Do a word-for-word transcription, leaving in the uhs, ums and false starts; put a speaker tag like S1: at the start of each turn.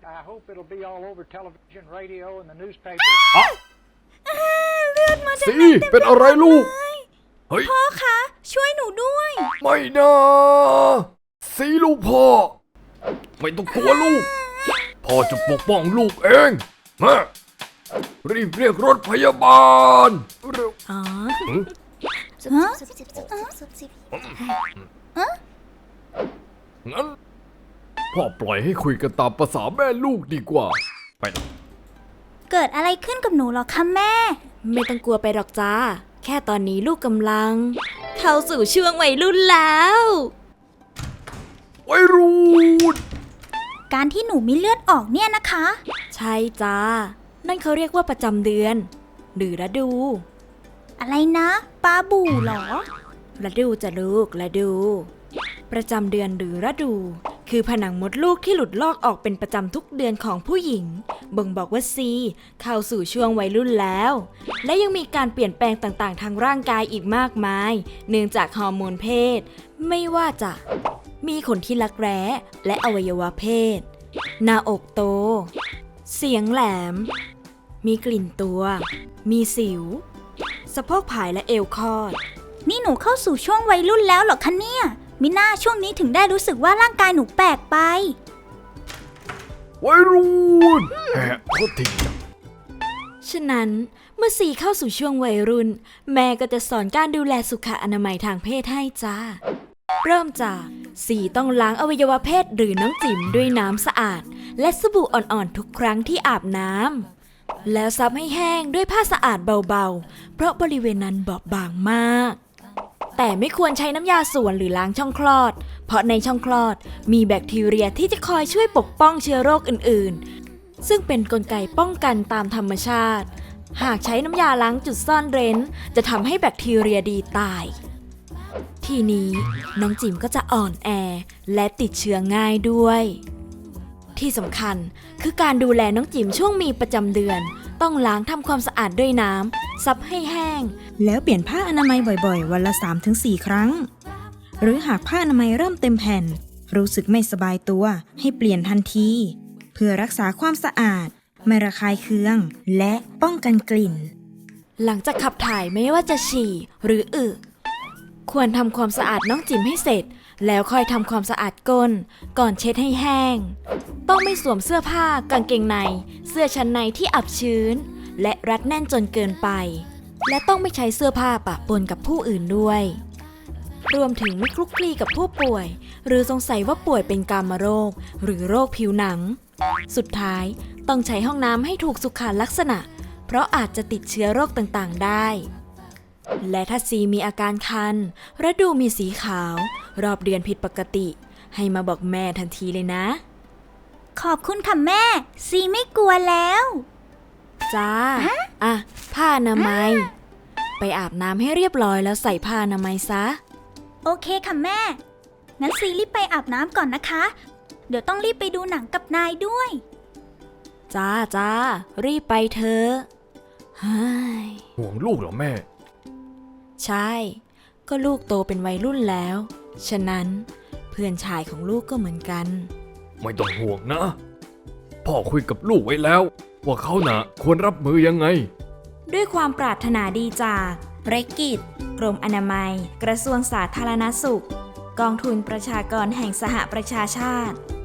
S1: I hope it'll be all over television, radio, and the newspapers.
S2: เลือดมาจาก
S3: สี
S2: ไหนเต็ม
S3: เป็นอะไรลูก
S2: เลย
S3: เฮ้ย
S2: พ่อคะช่วยหนูด้วย
S3: ไม่นะสีลูกพ่อ ไม่ต้องกลัวลูก พ่อจะปกป้องลูกเองมารีบเรียกรถพยาบาลเร็ว
S2: อ๋อ
S3: หึ
S2: ฮะ
S3: งั้นพ่อปล่อยให้คุยกันตามภาษาแม่ลูกดีกว่า ไปนะ
S2: เกิดอะไรขึ้นกับหนูหรอคะแม่
S4: ไม่ต้องกลัวไปหรอกจ้า แค่ตอนนี้ลูกกำลัง เข้าสู่ช่วงวัยรุ่นแล้ว
S3: วัยรุ่น
S2: การที่หนูมีเลือดออกเนี่ยนะคะ
S4: ใช่จ้า นั่นเขาเรียกว่าประจำเดือน หรือฤดู
S2: อะไรนะปลาบู่เหรอ
S4: ฤดูจะลูกฤดู ประจำเดือนหรือฤดู คือผนังมดลูกที่หลุดลอกออกเป็นประจำทุกเดือนของผู้หญิง บ่งบอกว่าซีเข้าสู่ช่วงวัยรุ่นแล้ว และยังมีการเปลี่ยนแปลงต่างๆ ทางร่างกายอีกมากมาย เนื่องจากฮอร์โมนเพศ ไม่ว่าจะมีขนที่รักแร้และอวัยวะเพศ หน้าอกโต เสียงแหลม มีกลิ่นตัว มีสิว สะโพกผายและเอวคอด
S2: นี่หนูเข้าสู่ช่วงวัยรุ่นแล้วเหรอคะเนี่ยมิน่าช่วงนี้ถึงได้รู้สึกว่าร่างกายหนูแปลกไป
S3: วัยรุ่นแหะโคตรที
S4: ฉะนั้นเมื่อซีเข้าสู่ช่วงวัยรุ่น แม่ก็จะสอนการดูแลสุขอนามัยทางเพศให้จ้า เริ่มจากซีต้องล้างอวัยวะเพศหรือน้องจิ๋มด้วยน้ำสะอาด และสบู่อ่อนๆทุกครั้งที่อาบน้ำแล้วซับให้แห้งด้วยผ้าสะอาดเบาๆ เพราะบริเวณนั้นบอบบางมาก แต่ไม่ควรใช้น้ำยาส่วนหรือล้างช่องคลอด เพราะในช่องคลอดมีแบคทีเรียที่จะคอยช่วยปกป้องเชื้อโรคอื่นๆ ซึ่งเป็นกลไกป้องกันตามธรรมชาติ หากใช้น้ำยาล้างจุดซ่อนเร้นจะทำให้แบคทีเรียดีตาย ทีนี้น้องจิ๋มก็จะอ่อนแอและติดเชื้อง่ายด้วย ที่สำคัญคือการดูแลน้องจิ๋มช่วงมีประจำเดือน ต้องล้างทำความสะอาดด้วยน้ำซับให้แห้ง
S5: แล้วเปลี่ยนผ้าอนามัยบ่อยๆ วันละ สามถึงสี่ ครั้ง หรือหากผ้าอนามัยเริ่มเต็มแผ่น รู้สึกไม่สบายตัวให้เปลี่ยนทันที เพื่อรักษาความสะอาด ไม่ระคายเคือง และป้องกันกลิ่น
S4: หลังจากขับถ่ายไม่ว่าจะฉี่หรืออึควรทำความสะอาดน้องจิ๋มให้เสร็จ แล้วค่อยทำความสะอาดก้นก่อนเช็ดให้แห้ง ต้องไม่สวมเสื้อผ้ากางเกงใน เสื้อชั้นในที่อับชื้น และรัดแน่นจนเกินไป และต้องไม่ใช้เสื้อผ้าปะปนกับผู้อื่นด้วย รวมถึงไม่คลุกคลีกับผู้ป่วย หรือสงสัยว่าป่วยเป็นกามโรค หรือโรคผิวหนัง สุดท้ายต้องใช้ห้องน้ำให้ถูกสุขลักษณะ เพราะอาจจะติดเชื้อโรคต่างๆได้ และถ้าซีมีอาการคันฤดูมีสีขาว รอบเดือนผิดปกติ ให้มาบอกแม่ทันทีเลยนะ
S2: ขอบคุณค่ะแม่ซีไม่กลัวแล้ว
S4: จ้า อ่ะ ผ้าอนามัย ไปอาบน้ำให้เรียบร้อยแล้วใส่ผ้าอนามัยซะ
S2: โอเคค่ะแม่งั้นซีรีบไปอาบน้ำก่อนนะคะ เดี๋ยวต้องรีบไปดูหนังกับนายด้วย
S4: จ้าจ้า รีบไปเถอะเฮ้ย
S3: ห่วงลูกเหรอแม่
S4: ใช่ ก็ลูกโตเป็นวัยรุ่นแล้ว ฉะนั้นเพื่อนชายของลูกก็เหมือนกัน
S3: ไม่ต้องห่วงนะ พ่อคุยกับลูกไว้แล้ว ว่าเขาน่ะควรรับมือยังไง
S2: ด้วยความปรารถนาดีจากเรกิจกรมอนามัย กระทรวงสาธารณสุข กองทุนประชากรแห่งสหประชาชาติ